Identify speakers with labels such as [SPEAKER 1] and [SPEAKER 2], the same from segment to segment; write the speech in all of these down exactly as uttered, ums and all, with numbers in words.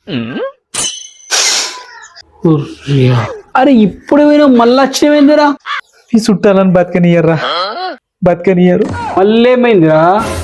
[SPEAKER 1] అరే ఇప్పుడు పోయినా మళ్ళీ వచ్చినవేందిరా?
[SPEAKER 2] ఈ చుట్టాలని బతకనియర్రా, బతకనియరు.
[SPEAKER 1] మళ్ళీ ఏమైందిరా?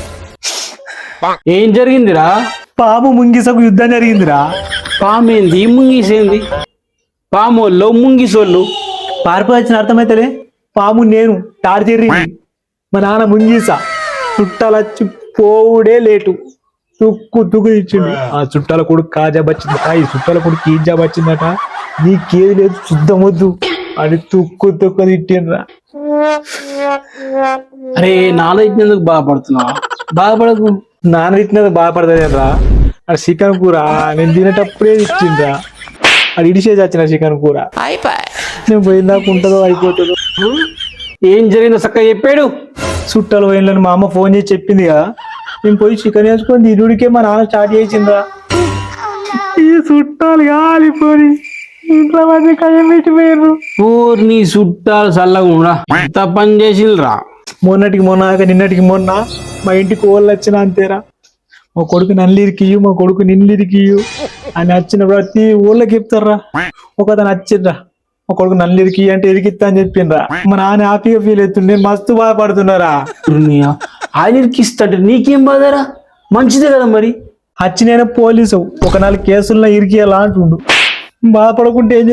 [SPEAKER 1] ఏం జరిగిందిరా?
[SPEAKER 2] పాము ముంగిసకు యుద్ధం జరిగిందిరా.
[SPEAKER 1] పామేంది ముంగిసేంది? పామోళ్ళు ముంగిసోళ్ళు
[SPEAKER 2] పారిపోవచ్చిన అర్థమైతలే. పాము నేను టార్చెర్రి, మా నాన్న ముంగీస. చుట్టాలొచ్చి పోవుడే లేటు. తుక్కు తుక్కు ఇచ్చిండు. ఆ చుట్టాల కొడుకు కాజాబ్ వచ్చిందట, ఈ చుట్టాల కొడుకు కీజాబ్ వచ్చిందట. నీకేది లేదు శుద్ధం వద్దు అని తుక్కు తుక్కు తిట్టిండ్రా.
[SPEAKER 1] అరే నాన్న ఇచ్చినందుకు బాధపడుతున్నావా? బాధపడకు.
[SPEAKER 2] నాన్న తిట్టినందుకు బాధపడతారా? అది చికెన్ కూర నేను తినేటప్పుడే ఇచ్చిండ్రా. అది ఇడిసేసి వచ్చిన చికెన్ కూర. నేను పోయిందాక ఉంటుందో అయిపోతుందో.
[SPEAKER 1] ఏం జరిగిందో చక్కగా చెప్పాడు.
[SPEAKER 2] చుట్టాలు పోయినని మా అమ్మ ఫోన్ చేసి చెప్పింది కదా. నేను పోయి చికెన్ వేసుకొని తిరుడికే మా నాన్న స్టార్ట్ చేసిందా. ఈ చుట్టాలు కాలిపోయి ఇంట్లో మధ్య కయ్యం పెట్టిపోయారు.
[SPEAKER 1] నీ చుట్టాలు చల్లగా ఎంత పని చేసిండ్రా.
[SPEAKER 2] మొన్నటికి మొన్న నిన్నటికి మొన్న మా ఇంటికి ఓళ్ళు వచ్చిన అంతేరా. మా కొడుకు నల్లిరికియు, మా కొడుకు నిన్లిరికియు అని వచ్చిన ప్రతి ఊళ్ళకి చెప్తారా. ఒక అతను వచ్చిండ్రా, మా కొడుకు నల్లిరికి అంటే ఇరికిత్తా అని చెప్పిండ్రా. మా నాన్న హ్యాపీగా ఫీల్ అవుతుంది, మస్తు బాధపడుతున్నారా.
[SPEAKER 1] ఆయన ఇరికిస్తాడు నీకేం బాధరా? మంచిదే కదా మరి.
[SPEAKER 2] వచ్చి నేను పోలీసు ఒక నాలుగు కేసుల్లో ఇరికియాలా అంటుండు. బాధపడకుంటే ఏం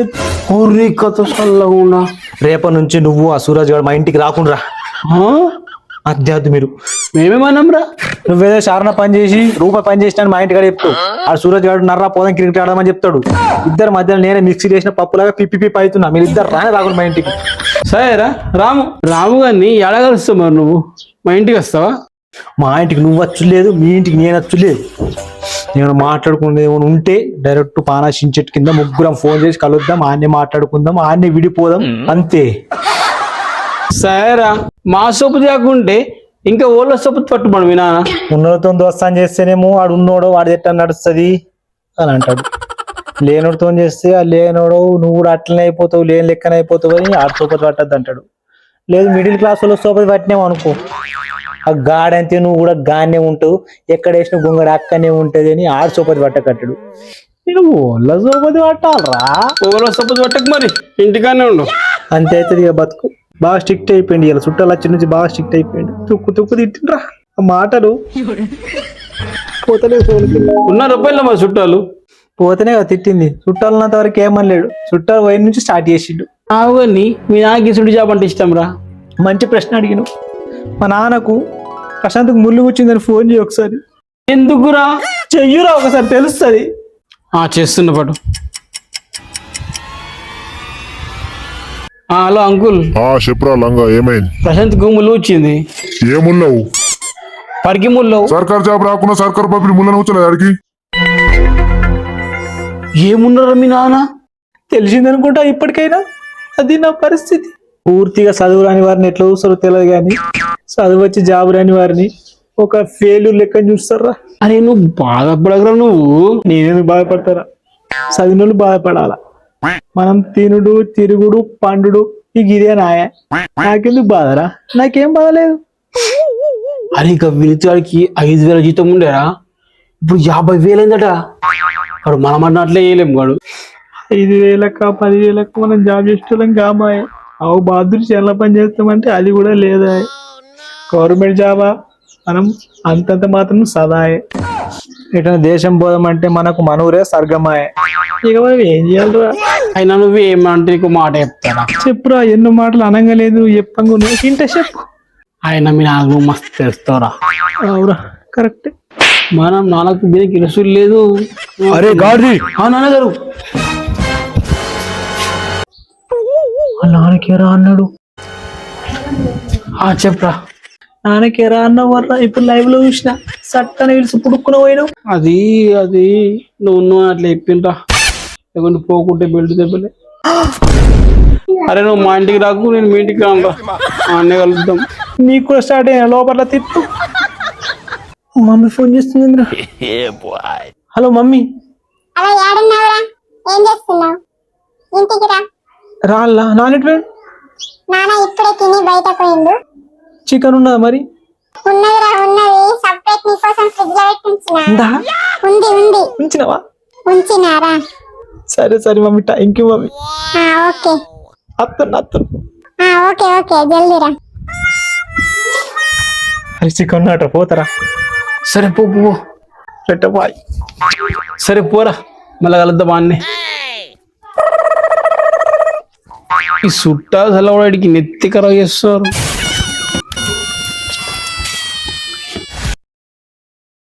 [SPEAKER 1] చెప్తా.
[SPEAKER 2] రేపటి నుంచి నువ్వు ఆ సూరజ్ గారు మా ఇంటికి రాకుండా అధ్యాత్మ. మీరు
[SPEAKER 1] మేమేమన్నాం రా?
[SPEAKER 2] నువ్వేదో శారణ పని చేసి రూపాయి పని చేసినా మా ఇంటికాడ చెప్తావు. ఆ సూరజ్ గారు నర్రా పోదాం క్రికెట్ ఆడమని చెప్తాడు. ఇద్దరు మధ్యలో నేనే మిక్సీ చేసిన పప్పులాగా పిప్పి పిప్పి అవుతున్నా. మీరు ఇద్దరు రానే రాకుండా మా ఇంటికి.
[SPEAKER 1] సరేరా రాము. రాము గారిని ఎలా కలుస్తావు మరి? నువ్వు మా ఇంటికి వస్తావా?
[SPEAKER 2] మా ఇంటికి నువ్వు వచ్చులేదు, మీ ఇంటికి నేను వచ్చులేదు. నేను మాట్లాడుకునేది ఏమైనా ఉంటే డైరెక్ట్ పానాశిం చెట్టు కింద ముగ్గురం ఫోన్ చేసి కలుద్దాం, ఆన్నే మాట్లాడుకుందాం, ఆన్నే విడిపోదాం అంతే.
[SPEAKER 1] సరేరా. మా సొప్పు కాకుంటే ఇంకా ఓళ్ళ సొప్పు పట్టుబడు. మీ నాన్న
[SPEAKER 2] ఉన్నోడితో దోస్తాన్ చేస్తేనేమో వాడు ఉన్నోడో వాడి ఎట్లా నడుస్తుంది అని అంటాడు. లేనోడితో చేస్తే ఆ లేనోడు నువ్వు కూడా అట్లనే అయిపోతావు, లేని లెక్కన అయిపోతావు అని ఆడ సోపతి పట్టద్దు అంటాడు. లేదు మిడిల్ క్లాస్ వాళ్ళు సోపతి పట్టినావు అనుకో, ఆ గాడంతే నువ్వు కూడా గానే ఉంటావు, ఎక్కడ వేసిన గుంగడ అక్కనే ఉంటది అని ఆడ సోపతి పట్టకట్టాడు. నేను ఓళ్ళ సోపతి పట్టాలరా.
[SPEAKER 1] ఓళ్ళ సోపతి పట్టకు మరి, ఇంటికానే ఉండు.
[SPEAKER 2] అంతే అవుతుంది ఇక బతుకు. బాగా స్ట్రిక్ట్ అయిపోయింది ఇలా. చుట్టాలు వచ్చి నుంచి బాగా స్ట్రిక్ట్ అయిపోయింది. తుక్కు తుక్కు తిట్టిండ్రా. ఆ మాటలు పోతలే.
[SPEAKER 1] ఉన్న రూపాయలు మా చుట్టాలు
[SPEAKER 2] పోతేనే కదా తిట్టింది. చుట్టాలు ఉన్నంత వరకు ఏమనలేడు. చుట్టాలు పోయిన నుంచి స్టార్ట్ చేసిండు.
[SPEAKER 1] అవుని మీ నాన్నకి సుడి జాబ్ అంటే ఇష్టం రా?
[SPEAKER 2] మంచి ప్రశ్న అడిగిను. మా నాన్నకు ప్రశాంత్కు ముళ్ళు కూర్చుందని ఫోన్ చేయి ఒకసారి.
[SPEAKER 1] ఎందుకురా?
[SPEAKER 2] చెయ్యురా ఒకసారి తెలుస్తుంది.
[SPEAKER 1] చేస్తున్న పాటు. Hello uncle.
[SPEAKER 3] చెప్పురా లంగా, ఏమైంది?
[SPEAKER 1] ప్రశాంత్ కు ముళ్ళు వచ్చింది.
[SPEAKER 3] ఏ ముళ్ళవు?
[SPEAKER 1] పరికి ముళ్ళవు.
[SPEAKER 3] సర్కార్ జాబ్ రాకుండా సర్కార్ పంపిణీ ముళ్ళని వచ్చలేదు ఆడికి.
[SPEAKER 1] ఏమున్నారా మీ నాన్న?
[SPEAKER 2] తెలిసిందనుకుంటా ఇప్పటికైనా. అది నా పరిస్థితి. పూర్తిగా చదువు రాని వారిని ఎట్లా చూస్తారో తెలియదు కానీ చదువు వచ్చి జాబ్ రాని వారిని ఒక ఫెయిల్యూర్ లెక్క చూస్తారా.
[SPEAKER 1] అరే నువ్వు బాధపడగరా. నువ్వు
[SPEAKER 2] నేనేందుకు బాధపడతారా? చదివినోళ్ళు బాధపడాలా. మనం తినుడు తిరుగుడు పండుడు ఇక ఇదే నాయ. నాకెందుకు బాధరా? నాకేం బాధలేదు.
[SPEAKER 1] అరే ఇక వినితాడికి ఐదు వేల జీతం ఉండేరా, ఇప్పుడు యాభై వేలైందట. వాడు మనం అన్నట్లే వేయలేము. వాడు
[SPEAKER 2] ఐదు వేలక్క పది వేలక్క మనం జాబ్ చేసేటోళ్ళం కామాయ. అవు బాధుడు చాలా పని చేస్తామంటే అది కూడా లేదా. గవర్నమెంట్ జాబా మనం అంతంత మాత్రం సదాయే. ఎటైనా దేశం పోదామంటే మనకు మనూరే స్వర్గమాయ. ఇక మనం ఏం చేయాలరా?
[SPEAKER 1] అయినా నువ్వు ఏమంటే నీకు మాట చెప్తారా?
[SPEAKER 2] చెప్పురా. ఎన్నో మాటలు అనగలేదు చెప్పంగా నువ్వు తింటే చెప్పు.
[SPEAKER 1] ఆయన మీ నాకు మస్తు తెలుస్తారా?
[SPEAKER 2] అవురా కరెక్ట్.
[SPEAKER 1] మనం నాన్నకు దీనికి ఇరుసులు లేదు.
[SPEAKER 2] అరే గాడి
[SPEAKER 1] నాన్నగారు
[SPEAKER 2] నాన్నకేరా అన్నాడు.
[SPEAKER 1] చెప్పరా.
[SPEAKER 2] నాన్నకేరా అన్నావు వర్రా. ఇప్పుడు లైవ్ లో చూసిన సట్టని పిలిచి పుడుక్కున పోయినావు.
[SPEAKER 1] అది అది నువ్వు నువ్వు అట్లా చెప్పిండ్రా. లేకుంటే పోకుంటే బెల్ట్ దెబ్బలే. అరే నువ్వు మా ఇంటికి రాకు, నేను మీ ఇంటికి రాను. అన్నీ కలుద్దాం.
[SPEAKER 2] నీకు కూడా స్టార్ట్ అయినా లోపల తిప్పు. మమ్మీ ఫోన్ చేస్తుంది. Hello mummy. రాళ్ళ నాన్నెట్
[SPEAKER 4] నాన్న ఇప్పుడే తిని బయట పోయిండు.
[SPEAKER 2] చికెన్ ఉన్నదా మరి?
[SPEAKER 4] ఉన్నదిరా ఉన్నది. సెపరేట్ నీ కోసం ఫ్రిడ్జ్ లో పెట్టి ఉంచినా.
[SPEAKER 2] ఉందా?
[SPEAKER 4] ఉంది ఉంది.
[SPEAKER 2] ఉంచినావా?
[SPEAKER 4] ఉంచినారా?
[SPEAKER 2] సరే సరే మమ్మీ, థ్యాంక్ యూ మమ్మీ.
[SPEAKER 4] ఆ, ఓకే
[SPEAKER 2] అత్తను అత్తను.
[SPEAKER 4] ఆ, ఓకే ఓకే జల్దీరా.
[SPEAKER 2] అరే చికెన్ అట్రా పోతారా?
[SPEAKER 1] సరే పో పో
[SPEAKER 2] రెట్ట బాయ్.
[SPEAKER 1] సరే పోరా, మళ్ళా కలుద్దాం అన్నే. ఈ చుట్టాలు సెలవుడికి నెత్తి ఖరాబ్ చేస్తారు.